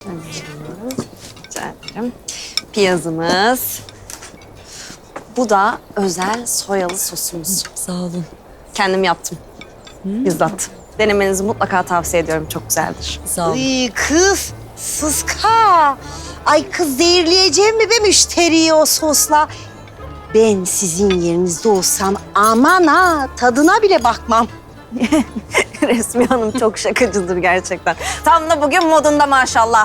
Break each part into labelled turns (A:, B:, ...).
A: Rica ederim. Piyazımız. Bu da özel soyalı sosumuz.
B: Sağ olun.
A: Kendim yaptım. Bizzat. Denemenizi mutlaka tavsiye ediyorum. Çok güzeldir.
B: Sağ olun.
C: Kız, sıska. Ay kız zehirleyeceğim mi be müşteriyi o sosla? Ben sizin yerinizde olsam aman ha tadına bile bakmam.
A: Resmi Hanım çok şakacıdır gerçekten. Tam da bugün modunda maşallah.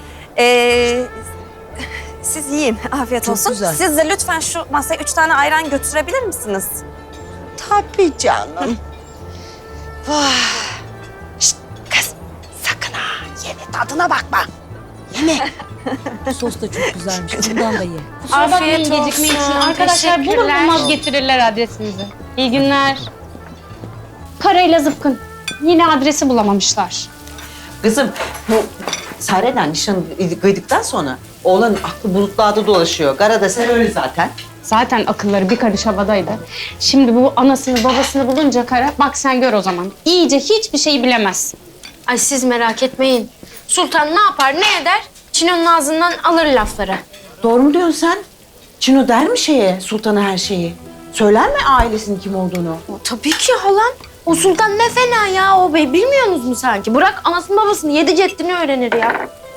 A: Siz yiyin. Afiyet
B: Çok
A: olsun.
B: güzel.
A: Siz de lütfen şu masaya 3 tane ayran götürebilir misiniz?
C: Tabii canım. Vah. Şşt, kız sakın ha yeme tadına bakma. Yeme.
B: Sos da çok güzelmiş. Bundan da ye.
D: Kusura bakmayın gecikme için. Arkadaşlar bulur bulmaz getirirler adresinizi. İyi günler. Karayla zıpkın. Yine adresi bulamamışlar.
E: Kızım bu Sare'den nişanı kıydıktan sonra oğlanın aklı bulutlarda dolaşıyor. Garada sen öyle zaten.
D: Zaten akılları bir karış havadaydı. Şimdi bu anasını babasını bulunca Kara, bak sen gör o zaman. İyice hiçbir şeyi bilemez.
F: Ay siz merak etmeyin. Sultan ne yapar ne eder? Çino'nun ağzından alır lafları.
E: Doğru mu diyorsun sen? Çino der mi sultana her şeyi? Söyler mi ailesinin kim olduğunu?
F: Tabii ki halam. O sultan ne fena ya o bey. Bilmiyorsunuz mu sanki? Bırak anasını babasını yedi ceddini öğrenir ya.